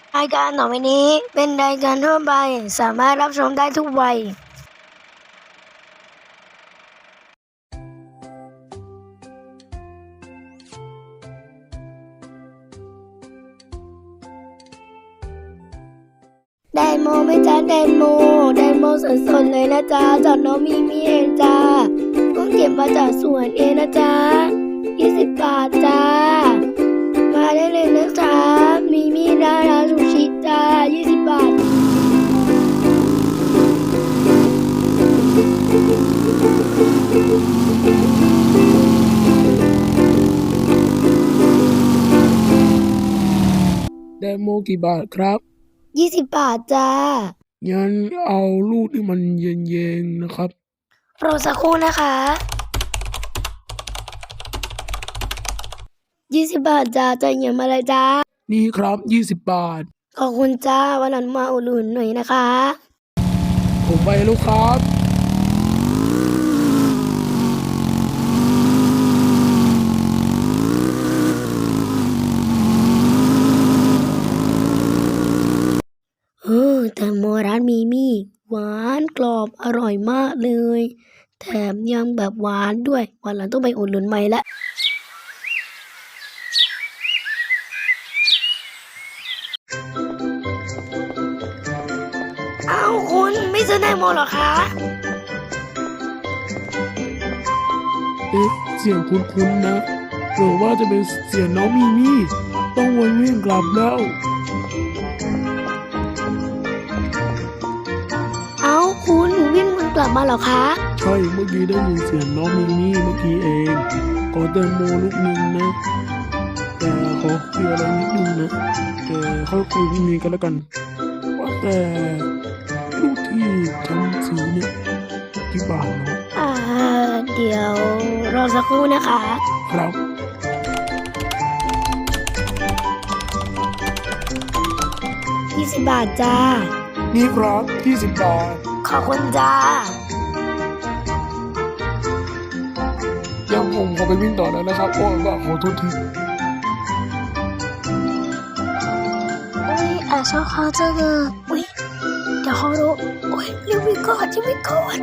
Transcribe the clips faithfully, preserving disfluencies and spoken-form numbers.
รายการต่อไปนี้เป็นรายการทั่วไปสามารถรับชมได้ทุกวัยไดโมไหม่จ้าไดโมไดโมสดๆเลยนะจ๊ะจากน้องมีมีเองจ้าต้องเก็บมาจากสวนเองนะจ๊ะยี่สิบบาทจ้ามาได้เลยนะจ๊ะมีมีร้านอาซูชิจ้ายี่สิบบาทไดโมกี่บาทครับยี่สิบบาทจ้างั้นเอาลูกที่มันเย็นๆนะครับรอสักครู่นะคะยี่สิบบาทจ้าจะเหยียบมาเลยจ้านี่ครับยี่สิบบาทขอบคุณจ้าวันหลังมาอุดหนุนหน่อยนะคะผมไปแล้วครับเออแตงโมร้านมีมี่หวานกรอบอร่อยมากเลยแถมยังแบบหวานด้วยวันหลังต้องไปอุดหนุนใหม่ละเอ้าคุณไม่ซื้อแตงโมหรอคะเอ๊ะเสียงคุ้นๆนะหรือว่าจะเป็นเสียงน้องมีมี่ต้องวนเวียนกลับแล้วเอ้าคุณวิ่งมันกลับมาเหรอคะใช่เมื่อกี้ได้ยินเสียงน้องมีมี่เมื่อกี้เองขอแตงโมลูกนึงนะแต่ขอคุยอะไรนิดนึงนะแต่ค่อยคุยพี่มีกันแล้วกันว่าแต่ลูกที่ฉันซื้อเนี่ยกี่บาทเนาะอ่าเดี๋ยวรอสักครู่นะคะครับยี่สิบบาทจ้านี่ครับยี่สิบบาทขอบคุณจ้ายังผมขอไปวิ่งต่อแล้วนะครับโอ้ยว่าขอโทษทีอุ้ยอ่ะชอบเขาจังเลยอุ้ยเดี๋ยวเขารู้อุ้ยรีวิวก่อนรีวิวก่อน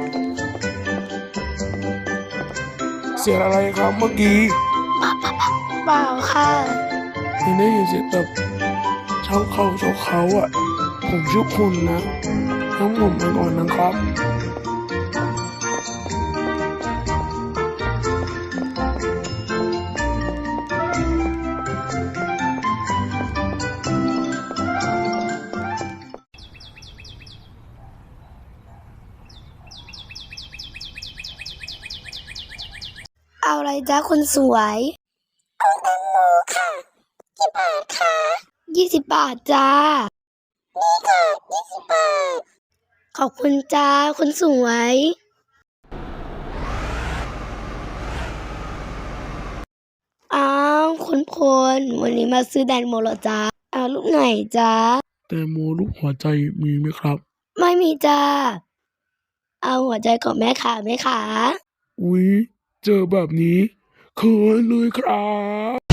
เสียงอะไรครับเมื่อกี้เปล่าค่ะเห็นได้ยินเสียงแบบเช้าเขาเช้าเขาอ่ะผมชื่อคุณนะทั้งผมไปก่อนนะครับเอาอะไรจ้าคนสวยเอาแตงโมค่ะกี่บาทคะยี่สิบบาทจ้านี่ค่ะยี่สิบบาทขอบคุณจ้าคนสวยอ้าวคุณพลวันนี้มาซื้อแตงโมเหรอจ้าเอาลูกไหนจ้าแตงโมรูปหัวใจมีไหมครับไม่มีจ้าเอาหัวใจของแม่ขาไหมคะอุ๊ยเจอแบบนี้เขินเลยครับ